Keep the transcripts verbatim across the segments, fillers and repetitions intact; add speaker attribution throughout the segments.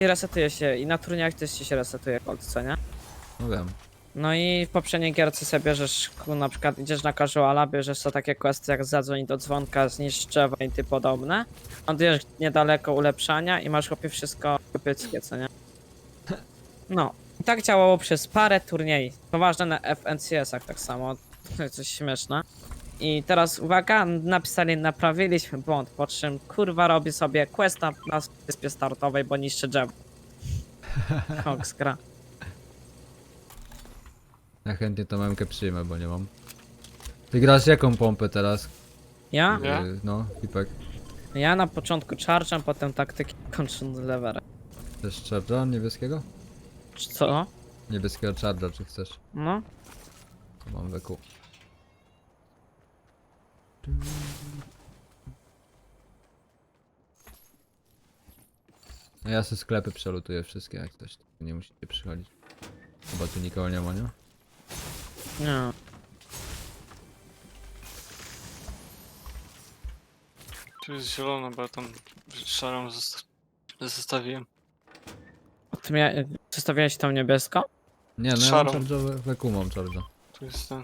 Speaker 1: resetuje się i na turniejach też ci się resetuje gold, co nie?
Speaker 2: No wiem.
Speaker 1: No i w poprzedniej gierce sobie bierzesz, ku- na przykład idziesz na casuala, bierzesz sobie takie questy jak zadzwoń do dzwonka, zniszcz drzewo i ty podobne. Lądujesz niedaleko ulepszania i masz chłopie wszystko pyckie, co nie? No. I tak działało przez parę turniej. Poważne na F N C S-ach tak samo. Coś śmieszne. I teraz uwaga, napisali, naprawiliśmy błąd, po czym kurwa robi sobie questa na wyspie startowej, bo niszczy drzewo. Fox gra.
Speaker 2: Ja chętnie tą memkę przyjmę, bo nie mam. Ty grasz jaką pompę teraz?
Speaker 1: Ja?
Speaker 3: Ja?
Speaker 2: Yy, No, Pipek.
Speaker 1: Ja na początku charge'em, potem taktyki kończąc leverem.
Speaker 2: Chcesz charge'a niebieskiego?
Speaker 1: Czy co?
Speaker 2: Niebieskiego charge'a, czy chcesz?
Speaker 1: No?
Speaker 2: To mam weku. No ja se sklepy przelutuję wszystkie jak coś. Nie musicie przychodzić. Chyba tu nikogo nie ma, nie?
Speaker 1: Nie.
Speaker 3: Tu jest zielone, bo ja tam szarą zosta- zostawiłem.
Speaker 1: A ty mia... Przedstawiałeś tą niebieską?
Speaker 2: Nie, no ja mam
Speaker 3: Szarą.
Speaker 2: charge'a, weku mam charge'a.
Speaker 3: Tu jest ten.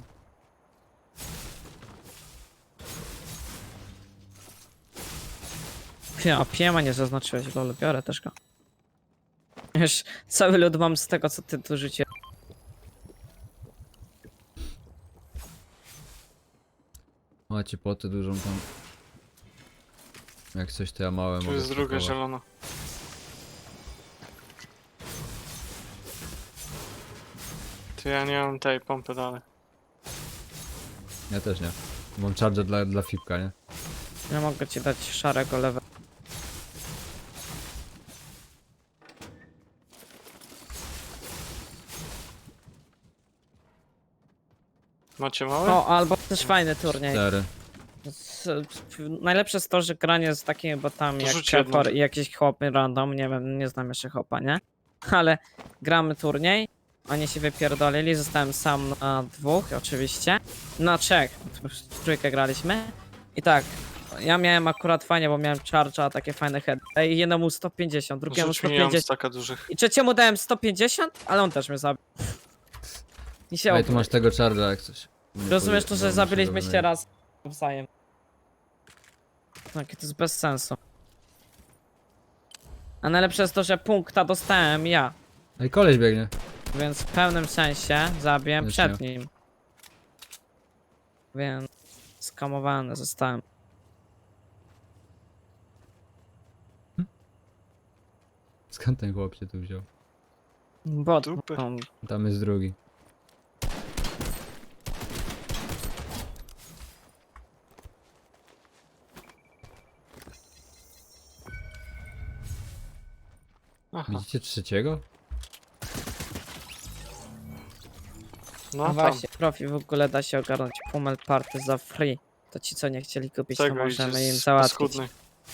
Speaker 1: Ja, piema nie zaznaczyłeś, lol, biorę też go. Wiesz, cały lud mam z tego, co ty tu rzuciłeś.
Speaker 2: Macie potę dużą tam. Jak coś to ja małe
Speaker 3: Tu
Speaker 2: mogę
Speaker 3: jest druga
Speaker 2: spakować.
Speaker 3: zielona. Ty ja nie mam tej pompy dalej.
Speaker 2: Ja też nie. Mam charge dla, dla Fipka, nie?
Speaker 1: Ja mogę ci dać szarego level.
Speaker 3: Macie małe?
Speaker 1: O, albo też fajny turniej.
Speaker 2: Cztery.
Speaker 1: Z, z, najlepsze jest to, że granie z takimi botami
Speaker 3: To
Speaker 1: jak
Speaker 3: rzuć jedną.
Speaker 1: Kepor i jakiś chłopy random, nie wiem, nie znam jeszcze chłopa, nie? Ale gramy turniej, oni się wypierdolili, zostałem sam na dwóch oczywiście, na trzech, w trójkę graliśmy i tak, ja miałem akurat fajnie, bo miałem charge'a, takie fajne heady, i jednemu sto pięćdziesiąt, drugiemu
Speaker 3: Rzuć mi, nie mam
Speaker 1: sto pięćdziesiąt
Speaker 3: staka dużych.
Speaker 1: i trzeciemu dałem sto pięćdziesiąt, ale on też mnie zabił. I się
Speaker 2: Ej, tu
Speaker 1: obrócił.
Speaker 2: masz tego charge'a jak coś. Nie
Speaker 1: Rozumiesz to,
Speaker 2: powie-
Speaker 1: że
Speaker 2: no,
Speaker 1: zabiliśmy
Speaker 2: muszę go
Speaker 1: się raz wzajem. Tak, to jest bez sensu. A najlepsze jest to, że punkta dostałem ja,
Speaker 2: Ej, koleś biegnie.
Speaker 1: więc w pełnym sensie zabiłem
Speaker 2: Już
Speaker 1: przed
Speaker 2: nie.
Speaker 1: nim. Więc skamowany zostałem.
Speaker 2: Skąd ten chłop się tu wziął?
Speaker 1: Bot,
Speaker 3: Dupy.
Speaker 1: no,
Speaker 2: Tam jest drugi.
Speaker 3: Aha.
Speaker 2: Widzicie trzeciego?
Speaker 3: No
Speaker 1: no
Speaker 3: tam.
Speaker 1: właśnie, profi w ogóle da się ogarnąć Pummel Party za free. To ci co nie chcieli kupić, to
Speaker 3: Tego
Speaker 1: możemy
Speaker 3: idzie
Speaker 1: im
Speaker 3: z
Speaker 1: załatwić.
Speaker 3: paskudnej.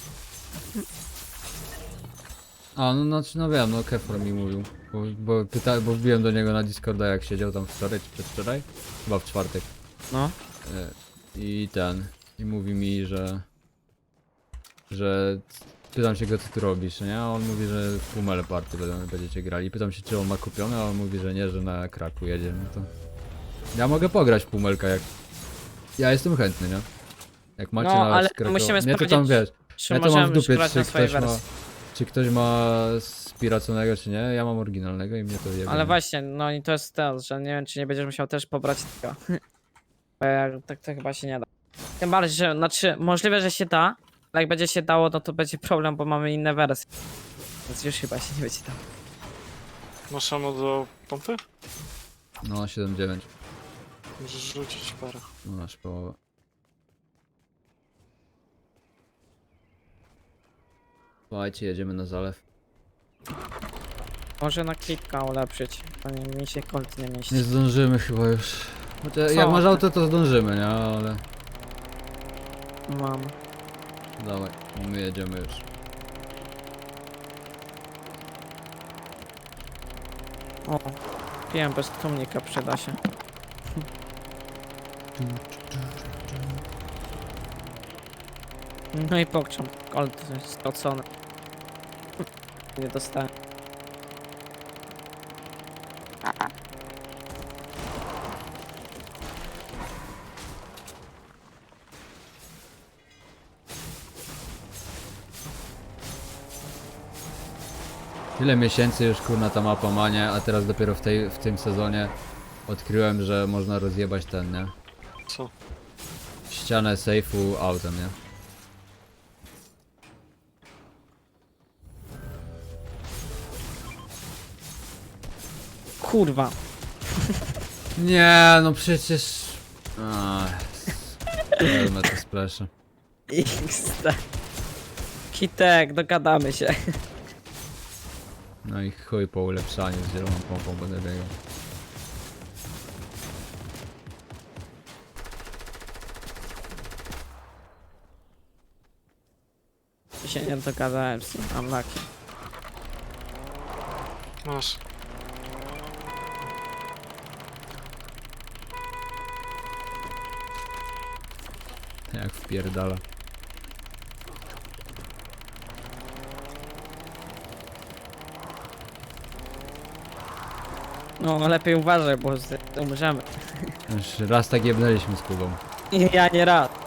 Speaker 2: A, no, no, no wiem, no Kefor mi mówił. Bo, bo, pyta, bo wbiłem do niego na Discorda jak siedział tam wczoraj czy przedwczoraj. Chyba w czwartek.
Speaker 1: No,
Speaker 2: E, I ten. I mówi mi, że... Że... Pytam się go, co ty robisz, nie? A on mówi, że w Pummel Party będą, będziecie grali. Pytam się, czy on ma kupione, a on mówi, że nie, że na Kraku jedzie. No to... Ja mogę pograć w Pummelka, jak... Ja jestem chętny, nie? Jak macie
Speaker 1: No,
Speaker 2: na
Speaker 1: ale
Speaker 2: Krakow...
Speaker 1: musimy
Speaker 2: Nie, to tam
Speaker 1: sprawdzić,
Speaker 2: wiesz...
Speaker 1: czy
Speaker 2: Ja to mam w
Speaker 1: możemy
Speaker 2: dupie,
Speaker 1: grać
Speaker 2: czy
Speaker 1: na swojej
Speaker 2: ktoś ma...
Speaker 1: wersji.
Speaker 2: Czy ktoś ma spiraconego, czy nie? Ja mam oryginalnego i mnie to jebie.
Speaker 1: Ale właśnie, no i to jest to, że nie wiem, czy nie będziesz musiał też pobrać tego. Bo ja, tak to chyba się nie da. Tym bardziej, że, znaczy, możliwe, że się da, ale jak będzie się dało, no to będzie problem, bo mamy inne wersje. Więc już chyba się nie będzie dało.
Speaker 3: Masz ammo do pompy?
Speaker 2: No, siedem dziewięć.
Speaker 3: Możesz rzucić parę.
Speaker 2: No, masz połowę. Słuchajcie, jedziemy na zalew.
Speaker 1: Może na klitka ulepszyć, to nie, mi się kolt nie mieści.
Speaker 2: Nie zdążymy chyba już. Chociaż
Speaker 1: Co?
Speaker 2: jak masz auto, to zdążymy, nie? Ale...
Speaker 1: Mam.
Speaker 2: Dawaj, my jedziemy już.
Speaker 1: O, piłem bez tłumnika, przyda się. No i pokczam, kolt jest stracony. Nie dostałem.
Speaker 2: Tyle miesięcy już kurna ta mapa ma, nie? A teraz dopiero w, tej, w tym sezonie odkryłem, że można rozjebać ten, nie?
Speaker 3: Co?
Speaker 2: Ścianę sejfu autem, nie?
Speaker 1: Kurwa.
Speaker 2: Nie, no przecież... Wezmę to spleszę.
Speaker 1: X D. Kitek, dogadamy się.
Speaker 2: No i chuj po ulepszaniu z zieloną pompą będę biegał.
Speaker 1: Się nie dogadałem z nim, unlucky.
Speaker 3: Masz.
Speaker 2: Jak wpierdala.
Speaker 1: No lepiej uważaj, bo z- umrzemy.
Speaker 2: Już raz tak jebnęliśmy z Kubą.
Speaker 1: Ja nie rad.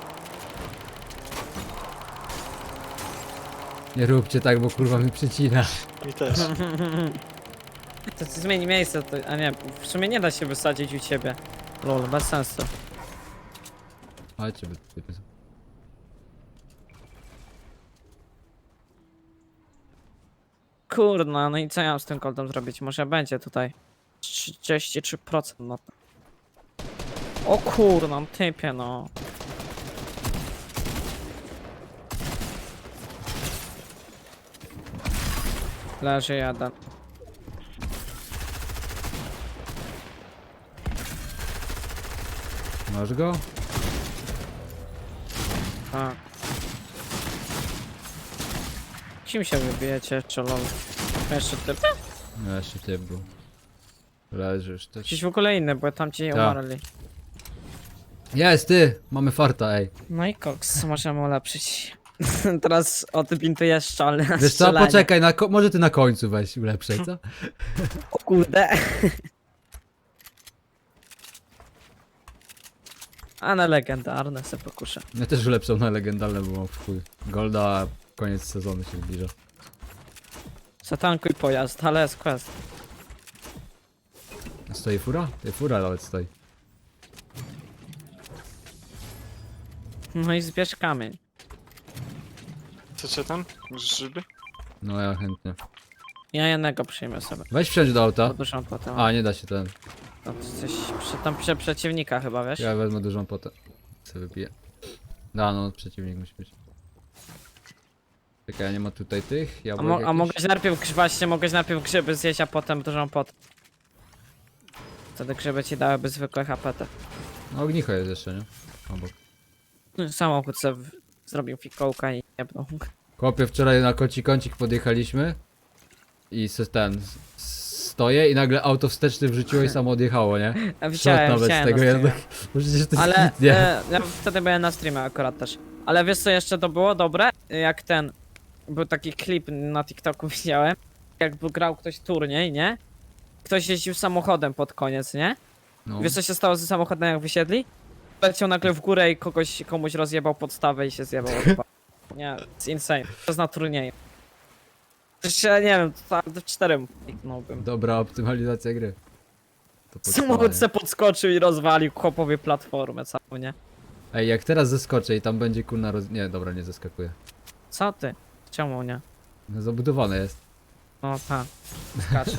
Speaker 2: Nie róbcie tak, bo kurwa mi przycina.
Speaker 3: Mi też.
Speaker 1: To ci zmieni miejsce, to, a nie, w sumie nie da się wysadzić u ciebie. Lol, bez sensu.
Speaker 2: Chodźcie, by typy.
Speaker 1: Kurna, no i co ja mam z tym koldem zrobić? Może będzie tutaj trzydzieści trzy procent na to. O kurna, typie no. Leży jeden.
Speaker 2: Masz go?
Speaker 1: Tak. Kim się wybijecie jeszcze, lol? Jeszcze typ?
Speaker 2: No jeszcze typ był. Leżysz też.
Speaker 1: Gdzieś w ogóle inny, bo tam ci
Speaker 2: Tak.
Speaker 1: umarli.
Speaker 2: Jest ty! Mamy farta, ej.
Speaker 1: No i koks, możemy ulepszyć. Teraz odbintujesz szczelne
Speaker 2: Wiesz co,
Speaker 1: strzelanie.
Speaker 2: poczekaj, na ko- może ty na końcu weź ulepszaj, co?
Speaker 1: O kurde. A na legendarne se pokuszę.
Speaker 2: Ja też ulepszam na legendalne, bo mam w chuj. Golda, a koniec sezonu się zbliża.
Speaker 1: Zatankuj pojazd, ale jest quest.
Speaker 2: Stoi fura? Ty fura nawet stoi.
Speaker 1: No i zbierz kamień.
Speaker 3: Chcecie tam? Grzyby?
Speaker 2: No ja chętnie.
Speaker 1: Ja jednego przyjmę sobie.
Speaker 2: Weź wsiądź do auta.
Speaker 1: Bo dużą potę.
Speaker 2: A, nie da się ten.
Speaker 1: To coś przy, tam przy przeciwnika chyba, wiesz?
Speaker 2: Ja wezmę dużą potę. Co wypiję. Da, no przeciwnik musi być. Czekaj, a nie ma tutaj tych?
Speaker 1: A,
Speaker 2: Jabłek
Speaker 1: mo a
Speaker 2: jakichś?
Speaker 1: mogłeś najpierw, grz- właśnie mogłeś najpierw grzyby zjeść, a potem dużą potę. Wtedy grzyby ci dałyby zwykłe H P T.
Speaker 2: No ognicho jest jeszcze, nie? Obok.
Speaker 1: Samochód sobie w- zrobił fikołka i jebnął.
Speaker 2: Chłopie, wczoraj na koci kącik podjechaliśmy. I se ten... s- Stoję i nagle auto wsteczny wrzuciło i samo odjechało, nie?
Speaker 1: Ja
Speaker 2: Shot
Speaker 1: widziałem,
Speaker 2: nawet z
Speaker 1: widziałem
Speaker 2: tego
Speaker 1: na streamie.
Speaker 2: jednak. Bo przecież to jest
Speaker 1: Ale
Speaker 2: hit, nie?
Speaker 1: e, ja wtedy byłem na streamie akurat też. Ale wiesz co jeszcze to było dobre? Jak ten... Był taki klip na TikToku widziałem. Jakby grał ktoś turniej, nie? Ktoś jeździł samochodem pod koniec, nie?
Speaker 2: No.
Speaker 1: Wiesz co się stało ze samochodem jak wysiedli? Leciał nagle w górę i kogoś, komuś rozjebał podstawę i się zjebał. chyba. Nie, it's insane. To jest na turnieju. Jeszcze nie wiem, to tak do czterem kliknąłbym.
Speaker 2: Dobra optymalizacja gry. To podstawa,
Speaker 1: Samochód
Speaker 2: nie?
Speaker 1: se podskoczył i rozwalił chłopowie platformę całą, nie?
Speaker 2: Ej, jak teraz zeskoczę i tam będzie kurna roz... Nie, dobra, nie zeskakuje.
Speaker 1: Co ty? Czemu nie?
Speaker 2: No zabudowane jest.
Speaker 1: No tak, skacze.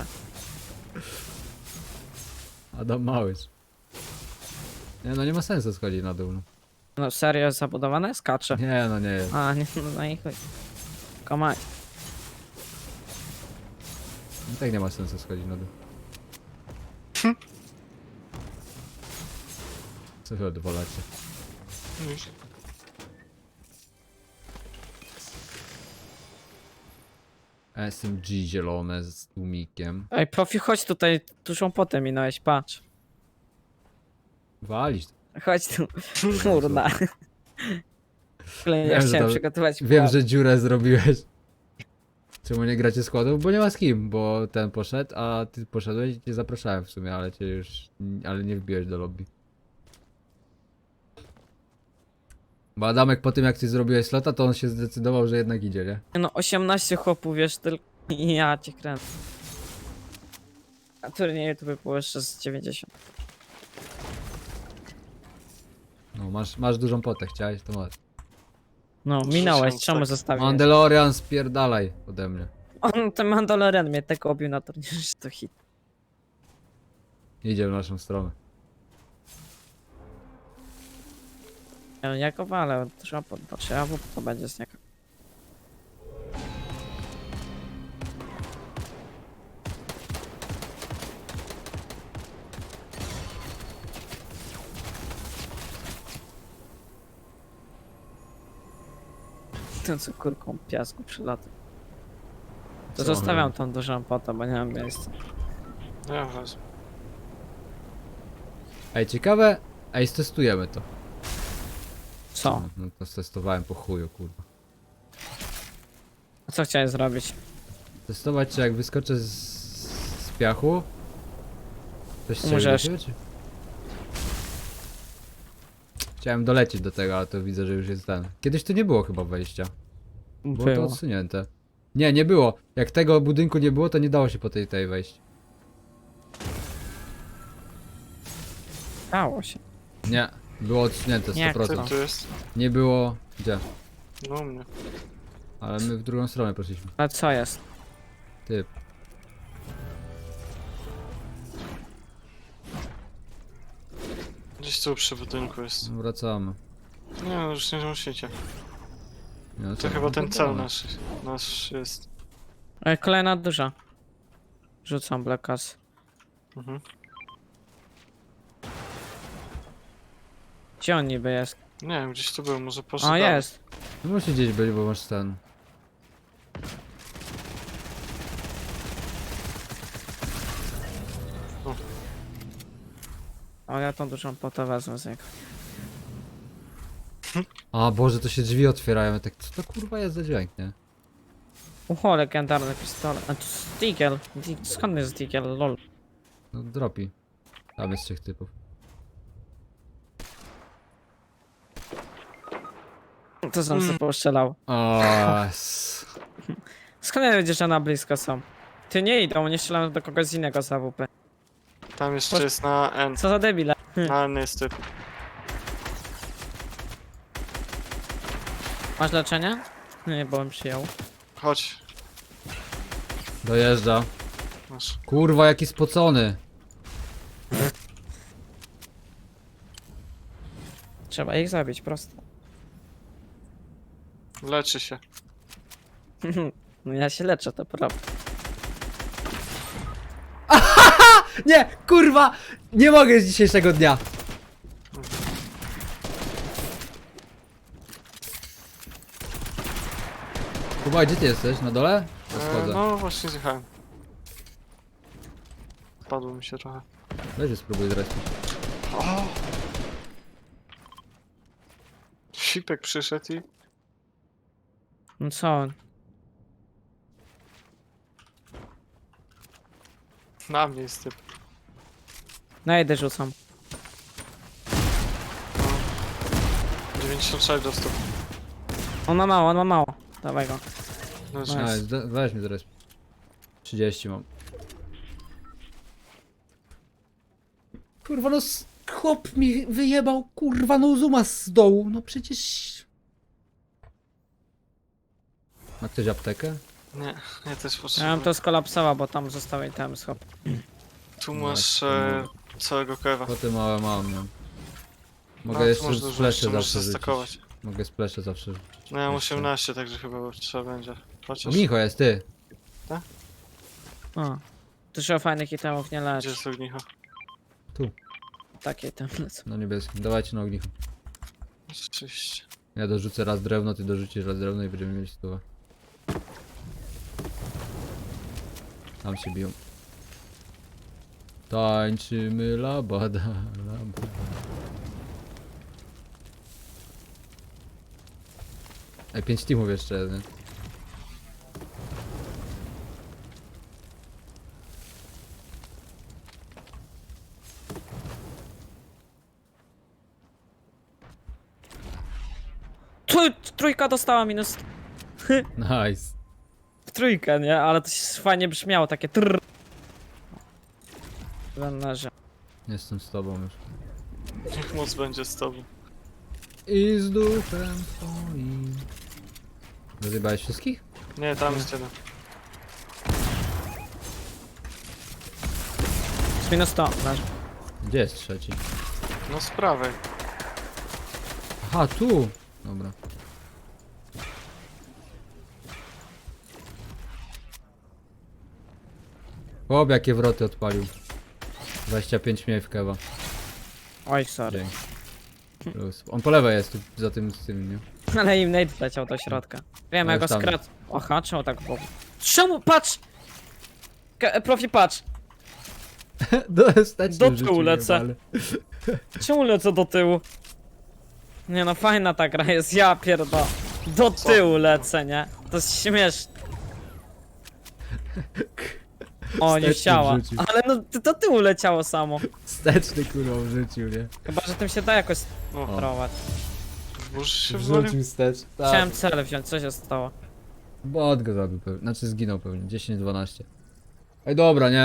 Speaker 2: Adam Małysz. Nie, no nie ma sensu schodzić na dół. No.
Speaker 1: No serio jest zabudowane? Skacze.
Speaker 2: Nie, no nie jest.
Speaker 1: A, nie, no i chuj. Komaj.
Speaker 2: I tak nie ma sensu schodzić na dół. Co wy odwalacie?
Speaker 3: Nic.
Speaker 2: S M G zielone z tłumikiem.
Speaker 1: Ej, profi, chodź tutaj, dużą potę minąłeś, patrz.
Speaker 2: Walić.
Speaker 1: Chodź tu, kurna. W ogóle
Speaker 2: Wiem,
Speaker 1: ja
Speaker 2: że
Speaker 1: chciałem
Speaker 2: to-
Speaker 1: przygotować
Speaker 2: Wiem,
Speaker 1: płat.
Speaker 2: że dziurę zrobiłeś. Czemu nie gracie składów? Bo nie ma z kim, bo ten poszedł, a ty poszedłeś i cię zapraszałem w sumie, ale cię już... ale nie wbiłeś do lobby. Bo Adamek po tym jak ty zrobiłeś slota, to on się zdecydował, że jednak idzie, nie?
Speaker 1: No osiemnaście chłopów, wiesz, tylko Ja cię kręcę. A turnieju to by było jeszcze z dziewięćdziesiąt.
Speaker 2: No, masz, masz dużą potę, chciałeś, to masz.
Speaker 1: No,
Speaker 3: Rzuciłem
Speaker 1: minąłeś, czemu
Speaker 3: tak.
Speaker 1: zostawiłeś?
Speaker 2: Mandalorian, spierdalaj ode mnie.
Speaker 1: On, ten Mandalorian mnie tak obił na turnieju, że to hit.
Speaker 2: Idzie w naszą stronę.
Speaker 1: Ja, ja go walę, trzeba poddać, a w to będzie z niego. Ten co kurką piasku przylata. To
Speaker 2: Co on
Speaker 1: zostawiam
Speaker 2: robi?
Speaker 1: tą dużą potę, bo nie mam miejsca.
Speaker 3: Ja wezmę.
Speaker 2: Ej, ciekawe. Ej, stestujemy to.
Speaker 1: Co?
Speaker 2: No, no to stestowałem po chuju, kurwa.
Speaker 1: A co chciałeś zrobić?
Speaker 2: Testować, czy jak wyskoczę z, z piachu, coś strzeli do
Speaker 1: Możesz.
Speaker 2: siebie, czy? Chciałem dolecieć do tego, ale to widzę, że już jest ten. Kiedyś tu nie było chyba wejścia. Było, to
Speaker 1: Było.
Speaker 2: odsunięte. Nie, nie było. Jak tego budynku nie było, to nie dało się po tej tej wejść.
Speaker 1: Dało się.
Speaker 2: Nie, było odsunięte
Speaker 1: Jak
Speaker 2: sto
Speaker 1: to?
Speaker 3: Ty
Speaker 2: procent.
Speaker 3: tu jest?
Speaker 2: Nie było. Gdzie?
Speaker 3: No u mnie.
Speaker 2: Ale my w drugą stronę poszliśmy.
Speaker 1: Ale co jest?
Speaker 2: Ty.
Speaker 3: Gdzieś tu przy budynku jest.
Speaker 2: Wracamy.
Speaker 3: Nie no, już nie musicie.
Speaker 2: Nie, no
Speaker 3: To
Speaker 2: co,
Speaker 3: chyba
Speaker 2: no
Speaker 3: ten
Speaker 2: to
Speaker 3: cel
Speaker 2: damy.
Speaker 3: nasz, nasz jest.
Speaker 1: E, Kolejna duża. Rzucam Blackas.
Speaker 3: Mhm.
Speaker 1: Gdzie on niby jest?
Speaker 3: Nie wiem, gdzieś tu był, może poszedł
Speaker 1: O,
Speaker 3: dalej.
Speaker 1: jest.
Speaker 2: No musi gdzieś być, bo masz ten.
Speaker 1: O, ja tą dużą potę wezmę z niego.
Speaker 2: A Boże, to się drzwi otwierają. Ja tak, co to kurwa jest za dźwięk, nie?
Speaker 1: Ucho, legendarny pistolet. A to jest Deagle. Di- Skąd jest Deagle? Lol.
Speaker 2: No dropi. Tam jest trzech typów.
Speaker 1: To sam
Speaker 3: Mm.
Speaker 1: sobie postrzelał.
Speaker 2: O, s-
Speaker 1: Skąd ja wiedziesz, że na blisko są? Ty nie idą, nie strzelają do kogoś innego z A W P.
Speaker 3: Tam jeszcze
Speaker 1: Posz-
Speaker 3: jest na N.
Speaker 1: Co za debile.
Speaker 3: Na N jest typ.
Speaker 1: Masz leczenie? Nie, bo bym przyjął.
Speaker 3: Chodź.
Speaker 2: dojeżdża.
Speaker 3: Masz.
Speaker 2: Kurwa, jaki spocony.
Speaker 1: Trzeba ich zabić, prosto.
Speaker 3: Leczy się.
Speaker 1: No ja się leczę, to prawda.
Speaker 2: Nie, kurwa! Nie mogę z dzisiejszego dnia. Kuba, gdzie ty jesteś? Na dole? Ja
Speaker 3: E,
Speaker 2: schodzę.
Speaker 3: no właśnie zjechałem. Padło mi się trochę.
Speaker 2: Weź spróbuj zrespić.
Speaker 3: O! Sipek przyszedł i...
Speaker 1: No co on?
Speaker 3: Na mnie jest typ.
Speaker 1: Na jedę rzucam.
Speaker 3: dziewięćdziesiąt sześć dostał.
Speaker 1: On ma mało, on ma mało. Dawaj go.
Speaker 3: No,
Speaker 1: Nice.
Speaker 2: A, zde- weź mi zresp. trzydzieści mam. Kurwa, no s- chłop mi wyjebał, kurwa, no zuma z dołu, no przecież... Ma ktoś aptekę?
Speaker 3: Nie, ja też
Speaker 1: Ja
Speaker 3: potrzebuję.
Speaker 1: bym to skolapsował, bo tam zostały item schop.
Speaker 3: Tu
Speaker 2: No,
Speaker 3: masz
Speaker 2: jak to
Speaker 3: e, całego kewa.
Speaker 2: Potem małe mam, nie? Mogę
Speaker 3: No, to
Speaker 2: jeszcze
Speaker 3: masz dużo,
Speaker 2: splesze
Speaker 3: jeszcze możesz
Speaker 2: zawsze rzucić.
Speaker 3: zastakować.
Speaker 2: Mogę splesze zawsze rzucić.
Speaker 3: No ja mam
Speaker 2: Jeszcze.
Speaker 3: osiemnaście, także chyba trzeba będzie. Chociaż...
Speaker 2: Ognicho jest, ty!
Speaker 1: O. Dużo fajnych itemów nie
Speaker 3: Gdzie
Speaker 1: lecz.
Speaker 3: jest ognicho?
Speaker 1: Takie item lecą.
Speaker 2: Na niebieskim, dawajcie na ognicho.
Speaker 3: Rzeczywiście.
Speaker 2: Ja dorzucę raz drewno, ty dorzucisz raz drewno i będziemy mieli stówę. Tam się biją. Tańczymy labada, labada. Ej, pięć teamów jeszcze, nie?
Speaker 1: Tu, trójka dostała minus.
Speaker 2: Nice.
Speaker 1: trójkę, nie? Ale to się fajnie brzmiało, takie trrr. Leży.
Speaker 2: Jestem z tobą już.
Speaker 3: Niech moc będzie z tobą.
Speaker 2: I z duchem twoim. Rozjebałeś wszystkich?
Speaker 3: Nie, tam jest jeden.
Speaker 1: Z minus sto, leży.
Speaker 2: Gdzie jest trzeci?
Speaker 3: No z prawej.
Speaker 2: Aha, tu! Dobra. Chłop, jakie wroty odpalił. dwadzieścia pięć mniej w kewa.
Speaker 1: Oj, sorry.
Speaker 2: Dzięki. Plus. On po lewej jest, tu za tym, z tym, nie?
Speaker 1: Ale im Nate leciał do środka. Wiem,
Speaker 2: No
Speaker 1: jak go
Speaker 2: już tam.
Speaker 1: skradł. Aha, czemu tak było? Czemu? Patrz! Ka- Profi, patrz!
Speaker 2: Do, stać
Speaker 1: Do tyłu lecę. Czemu lecę do tyłu? Nie no, fajna ta gra jest, ja pierdolę. Do
Speaker 3: Co?
Speaker 1: tyłu lecę, nie? To jest śmieszne. O, nie
Speaker 2: Wsteczny
Speaker 1: chciała.
Speaker 2: wrzucił.
Speaker 1: Ale no, ty- do tyłu leciało samo.
Speaker 2: Wsteczny kurwa wrzucił, nie?
Speaker 1: Chyba, że tym się da jakoś
Speaker 3: O,
Speaker 1: sterować.
Speaker 3: burz się wywalił.
Speaker 2: Wrzucił wstecz.
Speaker 1: Chciałem cel wziąć, co się stało?
Speaker 2: Bot go zabił pewnie, znaczy zginął pewnie, dziesięć dwanaście. Ej dobra, nie?